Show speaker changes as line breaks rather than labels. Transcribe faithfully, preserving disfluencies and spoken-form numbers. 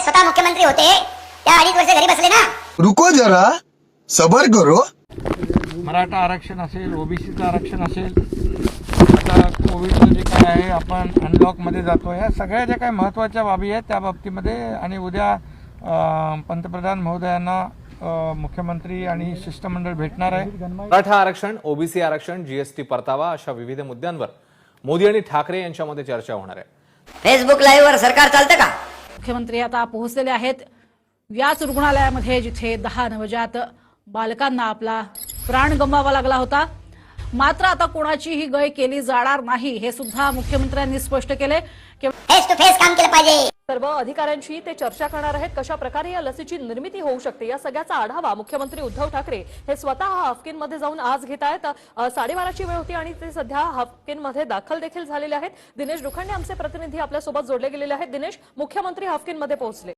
स्वतः मुख्यमंत्री होते त्या अडीच वर्ष घरी बसले ना.
रुको जरा सबर करो.
मराठा आरक्षण असेल, ओबीसीचं आरक्षण असेल, आता कोविडचं जे काय आहे आपण अनलॉकमध्ये जातो, या सगळ्या ज्या काही महत्त्वाच्या बाबी आहेत त्या बाबतीमध्ये आणि उद्या अं, पंतप्रधान महोदयांना अं, मुख्यमंत्री आणि शिष्टमंडळ भेटणार आहे.
मराठा आरक्षण, ओबीसी आरक्षण, जीएसटी परतावा अशा विविध मुद्द्यांवर मोदी आणि ठाकरे यांच्यामध्ये चर्चा होणार आहे.
फेसबुक लाईव्ह वर सरकार चालतं का?
मुख्यमंत्री आता पोहोचलेले आहेत याच रुग्णालयामध्ये जिथे दहा नवजात बालकांना आपला प्राण गमवावा लागला होता. मात्र आता कोणाचीही गय केली जाणार नाही हे सुद्धा मुख्यमंत्र्यांनी स्पष्ट केले.
फेस टू फेस काम केलं पाहिजे.
सर्व अधिकाऱ्यांशी ते चर्चा करणार आहेत. कशा प्रकारे या लसीची निर्मिती होऊ शकते या सगळ्याचा आढावा मुख्यमंत्री उद्धव ठाकरे हे स्वतः हाफकिनमध्ये जाऊन आज घेत आहेत. साडेबाराची वेळ होती आणि ते सध्या हाफकिनमध्ये दाखल देखील झालेले आहेत. दिनेश दुखंडे आमचे प्रतिनिधी आपल्यासोबत जोडले गेलेले आहेत. दिनेश, मुख्यमंत्री हाफकिनमध्ये पोहोचले.